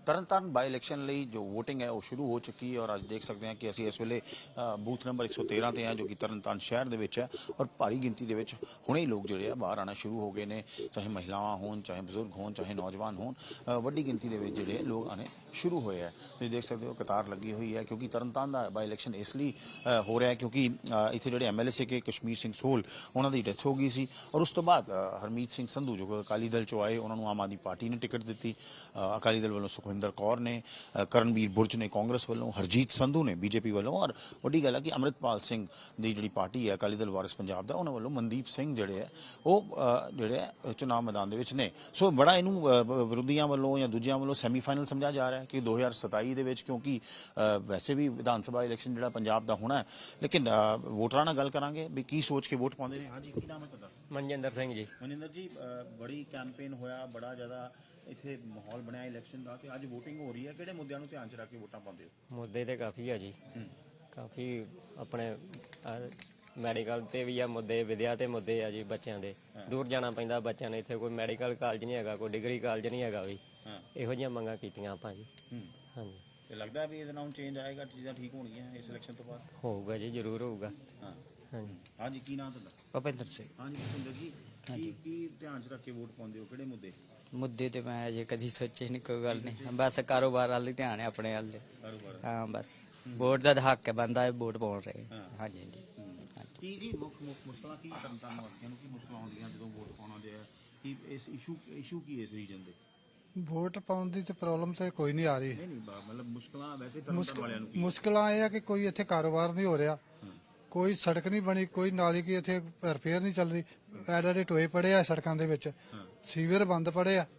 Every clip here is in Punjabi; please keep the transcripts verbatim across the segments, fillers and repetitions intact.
ਤਰਨਤਾਰਨ ਬਾਈ ਇਲੈਕਸ਼ਨ ਲਈ ਜੋ ਵੋਟਿੰਗ ਹੈ ਉਹ ਸ਼ੁਰੂ ਹੋ ਚੁੱਕੀ ਹੈ ਔਰ ਅੱਜ ਦੇਖ ਸਕਦੇ ਹਾਂ ਕਿ ਅਸੀਂ ਇਸ ਵੇਲੇ ਬੂਥ ਨੰਬਰ ਇੱਕ ਸੌ ਤੇਰਾਂ ਤੇ ਹਾਂ ਜੋ ਕਿ ਤਰਨਤਾਰਨ ਸ਼ਹਿਰ ਦੇ ਵਿੱਚ ਹੈ ਔਰ ਭਾਰੀ ਗਿਣਤੀ ਦੇ ਵਿੱਚ ਹੁਣੇ ਹੀ ਲੋਕ ਜਿਹੜੇ ਆ ਬਾਹਰ ਆਉਣਾ ਸ਼ੁਰੂ ਹੋ ਗਏ ਨੇ, ਚਾਹੇ ਮਹਿਲਾਵਾਂ ਹੋਣ, ਚਾਹੇ ਬਜ਼ੁਰਗ ਹੋਣ, ਚਾਹੇ ਨੌਜਵਾਨ ਹੋਣ, ਵੱਡੀ ਗਿਣਤੀ ਦੇ ਵਿੱਚ ਜਿਹੜੇ ਲੋਕ ਆਉਣੇ ਸ਼ੁਰੂ ਹੋਏ ਹੈ। ਤੁਸੀਂ ਦੇਖ ਸਕਦੇ ਹੋ ਕਤਾਰ ਲੱਗੀ ਹੋਈ ਹੈ ਕਿਉਂਕਿ ਤਰਨਤਾਰਨ ਦਾ ਬਾਈ ਇਲੈਕਸ਼ਨ ਇਸ ਲਈ ਹੋ ਰਿਹਾ ਹੈ ਕਿਉਂਕਿ ਇੱਥੇ ਜਿਹੜੇ ਐਮ ਐਲ ਏ ਸੀਗੇ ਕਸ਼ਮੀਰ ਸਿੰਘ ਸੋਹਲ ਉਹਨਾਂ ਦੀ ਡੈਥ ਹੋ ਗਈ ਸੀ ਔਰ ਉਸ ਤੋਂ ਬਾਅਦ ਹਰਮੀਤ ਸਿੰਘ ਸੰਧੂ ਜੋ ਅਕਾਲੀ ਦਲ ਚੋਂ ਆਏ ਉਹਨਾਂ ਨੂੰ ਆਮ ਆਦਮੀ ਪਾਰਟੀ ਨੇ ਟਿਕਟ ਦਿੱਤੀ। ਅਕਾਲੀ ਦਲ ਵੱਲੋਂ ਸੁਖਵਿੰਦਰ ਕੌਰ ਨੇ, ਕਰਨਵੀਰ ਬੁਰਜ ਨੇ ਕਾਂਗਰਸ ਵੱਲੋਂ, ਹਰਜੀਤ ਸੰਧੂ ਨੇ ਬੀਜੇਪੀ ਵੱਲੋਂ ਔਰ ਵੱਡੀ ਗੱਲ ਹੈ ਕਿ ਅੰਮ੍ਰਿਤਪਾਲ ਸਿੰਘ ਦੀ ਜਿਹੜੀ ਪਾਰਟੀ ਹੈ ਅਕਾਲੀ ਦਲ ਵਾਰਿਸ ਪੰਜਾਬ ਦਾ ਉਹਨਾਂ ਵੱਲੋਂ ਮਨਦੀਪ ਸਿੰਘ ਜਿਹੜੇ ਹੈ ਉਹ ਜਿਹੜੇ ਹੈ ਚੁਣਾਵ ਮੈਦਾਨ ਦੇ ਵਿੱਚ ਨੇ। ਸੋ ਬੜਾ ਇਹਨੂੰ ਵਿਰੋਧੀਆਂ ਵੱਲੋਂ ਜਾਂ ਦੂਜਿਆਂ ਵੱਲੋਂ ਸੈਮੀਫਾਈਨਲ ਸਮਝਿਆ ਜਾ ਰਿਹਾ ਹੈ ਕਿ ਦੋ ਹਜ਼ਾਰ ਸਤਾਈ ਦੇ ਵਿੱਚ ਕਿਉਂਕਿ ਵੈਸੇ ਵੀ ਵਿਧਾਨ ਸਭਾ ਇਲੈਕਸ਼ਨ ਜਿਹੜਾ ਪੰਜਾਬ ਦਾ ਹੋਣਾ ਹੈ ਲੇਕਿਨ ਵੋਟਰਾਂ ਨਾਲ ਗੱਲ ਕਰਾਂਗੇ ਵੀ ਕੀ ਸੋਚ ਕੇ ਵੋਟ ਪਾਉਂਦੇ ਨੇ। ਹਾਂਜੀ, ਕੀ ਨਾਮ ਹੈ ਤੁਹਾਡਾ? ਮਨਜਿੰਦਰ ਸਿੰਘ ਜੀ। ਮਨਜਿੰਦਰ ਜੀ, ਬੜੀ ਕੈਂਪੇਨ ਹੋਇਆ, ਬੜਾ ਜ਼ਿਆਦਾ ਇੱਥੇ ਮਾਹੌਲ ਬਣਿਆ ਇਲੈਕਸ਼ਨ ਦਾ ਤੇ ਅੱਜ ਵੋਟਿੰਗ ਹੋ ਰਹੀ ਹੈ, ਕਿਹੜੇ ਮੁੱਦਿਆਂ ਨੂੰ ਧਿਆਨ ਚ ਰੱਖ ਕੇ ਵੋਟਾਂ ਪਾਉਂਦੇ ਹੋ? ਮੁੱਦੇ ਤੇ ਕਾਫੀ ਆ ਜੀ, ਕਾਫੀ ਆਪਣੇ ਮੈਡੀਕਲ ਤੇ ਵੀ ਆ ਮੁੱਦੇ, ਵਿਦਿਆ ਤੇ ਮੁੱਦੇ ਆ ਜੀ। ਬੱਚਿਆਂ ਦੇ ਦੂਰ ਜਾਣਾ ਪੈਂਦਾ ਬੱਚਿਆਂ ਨੇ, ਇੱਥੇ ਕੋਈ ਮੈਡੀਕਲ ਕਾਲਜ ਨਹੀਂ ਹੈਗਾ, ਕੋਈ ਡਿਗਰੀ ਕਾਲਜ ਨਹੀਂ ਹੈਗਾ ਵੀ। ਇਹੋ ਜਿਹੀਆਂ ਮੰਗਾਂ ਕੀਤੀਆਂ ਆਪਾਂ ਜੀ। ਹਾਂਜੀ, ਤੇ ਲੱਗਦਾ ਵੀ ਇਹਦੇ ਨਾਲ ਚੇਂਜ ਆਏਗਾ, ਚੀਜ਼ਾਂ ਠੀਕ ਹੋਣਗੀਆਂ ਇਸ ਇਲੈਕਸ਼ਨ ਤੋਂ ਬਾਅਦ? ਹੋਊਗਾ ਜੀ, ਜ਼ਰੂਰ ਹੋਊਗਾ। ਹਾਂ ਹਾਂਜੀ ਹਾਂਜੀ, ਕੀ ਨਾਮ ਤੁਹਾਡਾ? ਭੁਪਿੰਦਰ ਸਿੰਘ। ਹਾਂਜੀ ਭੁਪਿੰਦਰ ਜੀ, ਕੀ ਕੀ ਧਿਆਨ ਚ ਰੱਖ ਕੇ ਵੋਟ ਪਾਉਂਦੇ ਹੋ, ਕਿਹੜੇ ਮੁੱਦੇ? ਮੁੱਦੇ ਤੇ ਮੈਂ ਅਜੇ ਕਦੀ ਸੋਚੇ ਨਹੀਂ, ਕੋਈ ਗੱਲ ਨਹੀਂ, ਬਸ ਕਾਰੋਬਾਰ ਵੱਲ ਹੀ ਧਿਆਨ ਹੈ, ਆਪਣੇ ਵੱਲ। ਕਾਰੋਬਾਰ? ਹਾਂ, ਬਸ ਵੋਟ ਦਾ ਹੱਕ ਹੈ, ਬੰਦਾ ਹੈ ਵੋਟ ਪਾਉਣ ਰਹੇ। ਹਾਂਜੀ ਹਾਂਜੀ। ਕੀ ਜੀ ਮੁੱਖ ਮੁਸ਼ਕਲਾਂ ਕੀ ਤਰਨਤਾਰਨ ਵਾਸੀਆਂ ਨੂੰ ਕੀ ਮੁਸ਼ਕਲਾਂ ਆਉਂਦੀਆਂ ਜਦੋਂ ਵੋਟ ਪਾਉਣਾ ਦੇ ਕੀ ਇਸ ਇਸ਼ੂ ਇਸ਼ੂ ਕੀ ਇਸ ਰੀਜਨ ਦੇ? ਵੋਟ ਪਾਉਣ ਦੀ ਤੇ ਪ੍ਰੋਬਲਮ ਤੇ ਕੋਈ ਨਹੀਂ ਆ ਰਹੀ। ਨਹੀਂ ਨਹੀਂ ਮਤਲਬ ਮੁਸ਼ਕਲਾਂ ਵੈਸੇ ਤਰਨਤਾਰਨ ਵਾਲਿਆਂ ਨੂੰ ਕੀ? ਮੁਸ਼ਕਲਾਂ ਇਹ ਆ ਕਿ ਕੋਈ ਇੱਥੇ ਕਾਰੋਬਾਰ ਨਹੀਂ ਹੋ ਰਿਹਾ, ਕੋਈ ਸੜਕ ਨਹੀਂ ਬਣੀ, ਕੋਈ ਨਾਲੀ ਕੀ ਇੱਥੇ ਰਿਪੇਅਰ ਨਹੀਂ ਚੱਲ ਰਹੀ, ਐਡੇ ਟੋਏ ਪੜੇ ਆ ਸੜਕਾਂ ਦੇ ਵਿੱਚ, ਸੀਵਰ ਬੰਦ ਪੜੇ ਆ।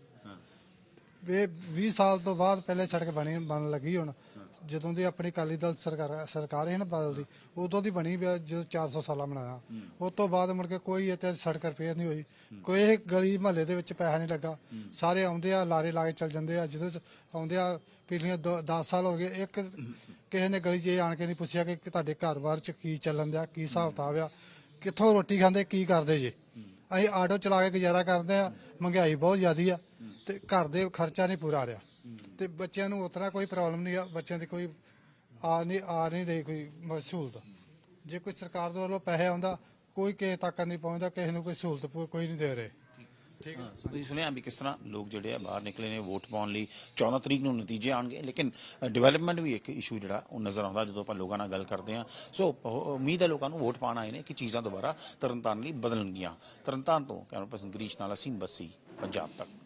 ਇਹ ਵੀਹ ਸਾਲ ਤੋਂ ਬਾਅਦ ਪਹਿਲੇ ਸੜਕ ਬਣੀ ਬਣ ਲੱਗੀ। ਹੁਣ ਜਦੋਂ ਦੀ ਆਪਣੀ ਅਕਾਲੀ ਦਲ ਸਰਕਾਰ ਸਰਕਾਰ ਹੈ ਨਾ ਬਦਲਦੀ, ਉਦੋਂ ਦੀ ਬਣੀ ਜਦੋਂ ਚਾਰ ਸੌ ਸਾਲਾ ਬਣਾਇਆ, ਉਸ ਤੋਂ ਬਾਅਦ ਮੁੜ ਕੇ ਕੋਈ ਇੱਥੇ ਸੜਕ ਰਿਪੇਅਰ ਨਹੀਂ ਹੋਈ, ਕੋਈ ਇਹ ਗਲੀ ਮਹੱਲੇ ਦੇ ਵਿੱਚ ਪੈਸਾ ਨਹੀਂ ਲੱਗਾ। ਸਾਰੇ ਆਉਂਦੇ ਆ ਲਾਰੇ ਲਾ ਕੇ ਚੱਲ ਜਾਂਦੇ ਆ, ਜਦੋਂ ਆਉਂਦੇ ਆ ਪਿਛਲੀਆਂ ਦਸ ਸਾਲ ਹੋ ਗਏ ਇੱਕ ਕਿਸੇ ਨੇ ਗਲੀ 'ਚ ਇਹ ਆਣ ਕੇ ਨਹੀਂ ਪੁੱਛਿਆ ਕਿ ਤੁਹਾਡੇ ਘਰ-ਬਾਰ 'ਚ ਕੀ ਚੱਲਣ ਦਿਆ, ਕੀ ਹਿਸਾਬ ਕਿਤਾਬ ਆ, ਕਿੱਥੋਂ ਰੋਟੀ ਖਾਂਦੇ, ਕੀ ਕਰਦੇ ਜੇ। ਅਸੀਂ ਆਟੋ ਚਲਾ ਕੇ ਗੁਜ਼ਾਰਾ ਕਰਦੇ ਆ, ਮਹਿੰਗਾਈ ਬਹੁਤ ਜ਼ਿਆਦੀ ਆ ਤੇ ਘਰ ਦੇ ਖਰਚਾ ਨਹੀਂ ਪੂਰਾ ਆ ਰਿਹਾ ਤੇ ਬੱਚਿਆਂ ਨੂੰ ਉਤਨਾ ਕੋਈ ਪ੍ਰੋਬਲਮ ਨਹੀਂ ਆ, ਬੱਚਿਆਂ ਦੀ ਕੋਈ ਆ ਨਹੀਂ ਆ ਨਹੀਂ ਰਹੀ ਕੋਈ ਸਹੂਲਤ। ਜੇ ਕੋਈ ਸਰਕਾਰ ਦੇ ਵੱਲੋਂ ਪੈਸੇ ਆਉਂਦਾ ਕੋਈ ਕਿਸੇ ਤੱਕ ਨਹੀਂ ਪਹੁੰਚਦਾ, ਕਿਸੇ ਨੂੰ ਕੋਈ ਸਹੂਲਤ ਕੋਈ ਨਹੀਂ ਦੇ ਰਹੇ। ਠੀਕ ਹੈ, ਤੁਸੀਂ ਸੁਣਿਆ ਵੀ ਕਿਸ ਤਰ੍ਹਾਂ ਲੋਕ ਜਿਹੜੇ ਆ ਬਾਹਰ ਨਿਕਲੇ ਨੇ ਵੋਟ ਪਾਉਣ ਲਈ। ਚੌਦਾਂ ਤਰੀਕ ਨੂੰ ਨਤੀਜੇ ਆਉਣਗੇ ਲੇਕਿਨ ਡਿਵੈਲਪਮੈਂਟ ਵੀ ਇੱਕ ਇਸ਼ੂ ਜਿਹੜਾ ਉਹ ਨਜ਼ਰ ਆਉਂਦਾ ਜਦੋਂ ਆਪਾਂ ਲੋਕਾਂ ਨਾਲ ਗੱਲ ਕਰਦੇ ਹਾਂ। ਸੋ ਉਮੀਦ ਹੈ ਲੋਕਾਂ ਨੂੰ ਵੋਟ ਪਾਉਣ ਆਏ ਨੇ ਕਿ ਚੀਜ਼ਾਂ ਦੁਬਾਰਾ ਤਰਨਤਾਰਨ ਲਈ ਬਦਲਣਗੀਆਂ। ਤਰਨਤਾਰਨ ਤੋਂ ਕੈਮਰਾ ਪਰਸਨ ਗਰੀਸ਼ ਨਾਲ ਅਸੀਮ ਬੱਸੀ, ਪੰਜਾਬ ਤੱਕ।